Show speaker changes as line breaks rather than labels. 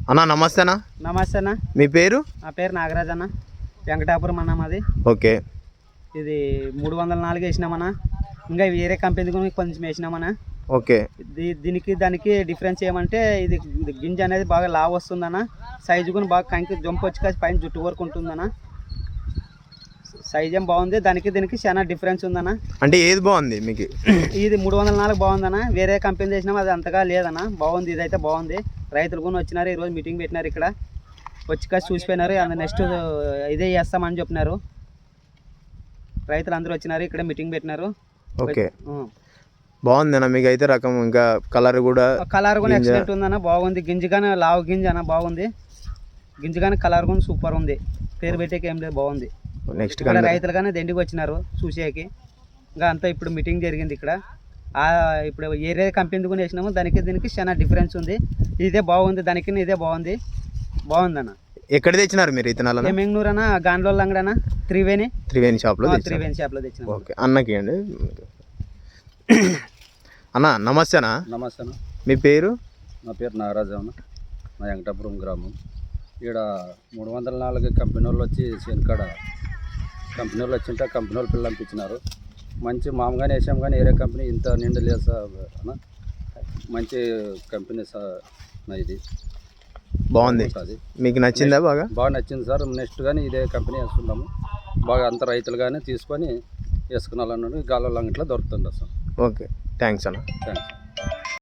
అన్న నమస్తే అన్న.
నమస్తే అన్న.
మీ పేరు?
నా పేరు నాగరాజ్ అన్న, వెంకటాపురం అన్న మాది.
ఓకే.
ఇది 304 వేసినామన్నా. ఇంకా వేరే కంపెనీ కొంచెం వేసినామన్నా.
ఓకే.
దీనికి దానికి డిఫరెన్స్ ఏమంటే ఇది గింజ అనేది బాగా లావ్ వస్తుందన్న. సైజు కూడా బాగా కంకి జంప్ వచ్చి కాసి పైన జుట్టు వరకు ఉంటుందన్న. సైజ్ ఏం బాగుంది. దానికి దీనికి చాలా డిఫరెన్స్ ఉందన్న.
అంటే ఏది బాగుంది మీకు?
ఇది 304 బాగుందన్న. వేరే కంపెనీ చేసినాం అది అంతగా లేదన్న. బాగుంది, ఇదైతే బాగుంది. రైతులు కూడా వచ్చినారు, ఈరోజు మీటింగ్ పెట్టినారు ఇక్కడ. వచ్చి కాసి చూసిపోయినారు. నెక్స్ట్ ఇదే చేస్తామని చెప్పినారు. రైతులు అందరూ వచ్చినారు, ఇక్కడ మీటింగ్ పెట్టినారు.
ఓకే. బాగుందన్న మీకు అయితే రకం, ఇంకా కలర్ కూడా
ఎక్సలెంట్ ఉందన్న. బాగుంది. గింజ కానీ లావు గింజ అన్న బాగుంది. గింజ కానీ కలర్ కూడా సూపర్ ఉంది. పేరు పెట్టేకి ఏం లేదు, బాగుంది.
నెక్స్ట్
రైతులు కానీ దండికి వచ్చినారు చూసేకి. ఇంకా అంతా ఇప్పుడు మీటింగ్ జరిగింది ఇక్కడ. ఇప్పుడు ఏరే కంపెనీ కూడా వేసినాము, దానికి దీనికి చాలా డిఫరెన్స్ ఉంది. ఇదే బాగుంది, దానికి ఇదే బాగుంది. బాగుందన్న.
ఎక్కడ తెచ్చినారు మీరు ఇతనాలు?
మెంగనూరు అన్న, గాండ్లోళ్ళ అంగడన్న, త్రివేణి
షాప్లో
తెచ్చిన.
ఓకే. అన్నకి అండి. అన్న నమస్తే అన్న.
నమస్తే అన్న.
మీ పేరు?
నా పేరు నాగరాజు అన్న, మా వెంకటాపురం గ్రామం. ఇక్కడ 304 కంపెనీ వాళ్ళు వచ్చి శనికాడ కంపెనీ వాళ్ళు వచ్చింటే కంపెనీ వాళ్ళు పిల్లలు పంపించినారు. మంచి మామగానే వేసాం, కానీ వేరే కంపెనీ ఇంత నిండు లేదు సార్ అన్న. మంచి కంపెనీ సార్ ఇది.
బాగుంది. మీకు నచ్చిందా?
బాగా నచ్చింది సార్. నెక్స్ట్ కానీ ఇదే కంపెనీ వేసుకుంటాము. బాగా అంత రైతులు కానీ తీసుకొని వేసుకున్నాలన్నది గాలలో అంగట్లో దొరుకుతుంది సార్.
ఓకే. థ్యాంక్స్ అన్న.
థ్యాంక్స్.